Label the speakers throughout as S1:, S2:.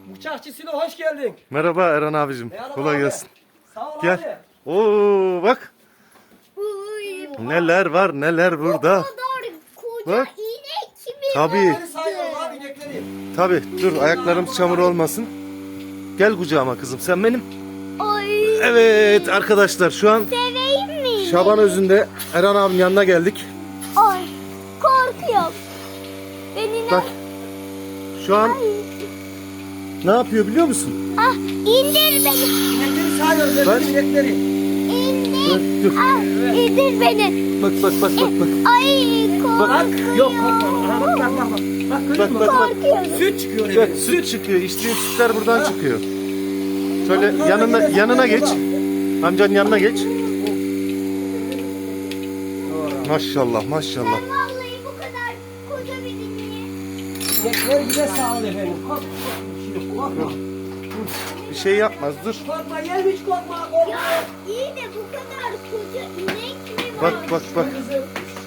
S1: Bıçakçı Silo hoş geldin.
S2: Merhaba Eren abicim.
S1: Merhaba
S2: Kolay
S1: abi.
S2: gelsin.
S1: Sağ ol
S2: Gel.
S1: abi.
S2: Oo bak. Neler var neler burada.
S3: O kadar koca
S2: Bak.
S3: inek kimi
S2: Tabii.
S1: Inekleri sayıyoruz abi inekleri.
S2: Tabii dur ayaklarım çamur olmasın. Gel kucağıma kızım sen benim.
S3: Ay
S2: Evet arkadaşlar şu an
S3: seveyim mi?
S2: Şaban Özü'nde Eren abinin yanına geldik.
S3: Ay korkuyorum. Beni
S2: Bak şu an ne yapıyor biliyor musun?
S3: Ah indir beni.
S1: İnekleri sayıyoruz
S2: Ben-
S1: efendim inekleri.
S3: İndir.
S2: Dur.
S3: Ah indir beni.
S2: Bak bak bak bak bak.
S3: Ay
S1: Bak
S3: korkuyorum.
S1: yok korkma. Aha, bak bak bak. Bak görüyor
S2: Bak
S1: musun?
S2: bak bak.
S3: Korkuyorum.
S1: Süt çıkıyor
S2: Bak
S1: efendim.
S2: süt çıkıyor. İçtiğin sütler buradan çıkıyor. Şöyle
S1: Bak,
S2: yanına geç. Amcanın yanına geç. Maşallah maşallah.
S3: Ben vallahi bu kadar koca bir ineği.
S1: İnekler bize sağ ol efendim. Korkma. Korkma.
S2: Bir şey yapmaz dur.
S1: Korkma gel hiç korkma. Korkma.
S3: Ya iyi de bu kadar koca inek mi var?
S2: Bak bak bak.
S1: Kızım.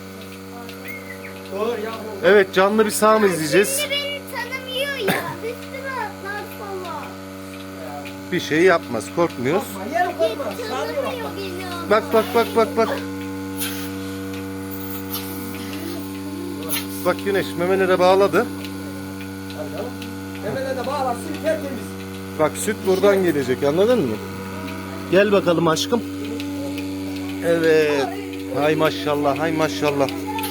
S1: Dur yavrum.
S2: Evet canlı bir sağım izleyeceğiz.
S3: Şimdi beni tanımıyor ya. Üstüme atlar falan.
S2: Bir şey yapmaz korkmuyoruz.
S1: Korkma yerim korkma. Sağ ol.
S3: Tanımıyor beni.
S2: Bak bak bak bak bak. Bak Güneş memelere bağladı.
S1: Memele de bağlarsın tertemiz.
S2: Bak süt buradan gelecek anladın mı? Gel bakalım aşkım. Evet. Hay maşallah hay maşallah.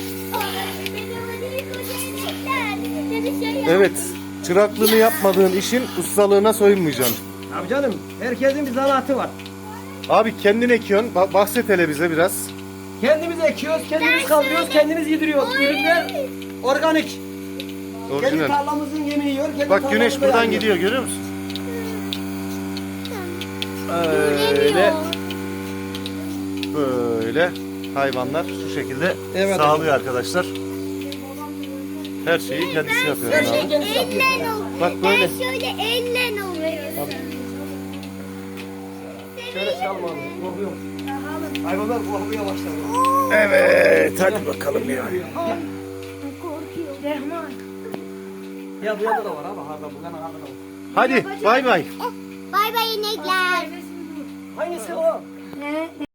S2: Evet. Çıraklığını yapmadığın işin ustalığına soyunmayacaksın.
S1: Abi canım herkesin bir zanaatı var.
S2: Abi kendin ekiyorsun. Bahset hele bize biraz.
S1: Kendimiz ekiyoruz, kendimiz kaldırıyoruz, kendimiz yediriyoruz. Ürünler organik. Kendi
S2: Orijinal.
S1: tarlamızın yemeği yiyor. Kendi
S2: Bak güneş
S1: tarlamızda
S2: buradan
S1: yiyor.
S2: gidiyor görüyor musun? Öyle. Böyle hayvanlar şu şekilde
S1: Evet,
S2: sağlıyor arkadaşlar. Her şeyi kendisi yapıyor.
S1: Her
S2: abi.
S1: şeyi kendisi yapıyor.
S3: Elle oluyor.
S2: Bak böyle.
S3: Ben şöyle elle oluyor.
S1: Şöyle çalma abi. Korkuyor. Hayvanlar korkmaya başladı.
S2: Evet hadi bakalım ya.
S3: Korkuyorum.
S1: Ya bu yanda da var abi. Harda bu yana harda da var.
S2: Hadi bay bay.
S3: Bay bay inekler.
S1: Hangisi o?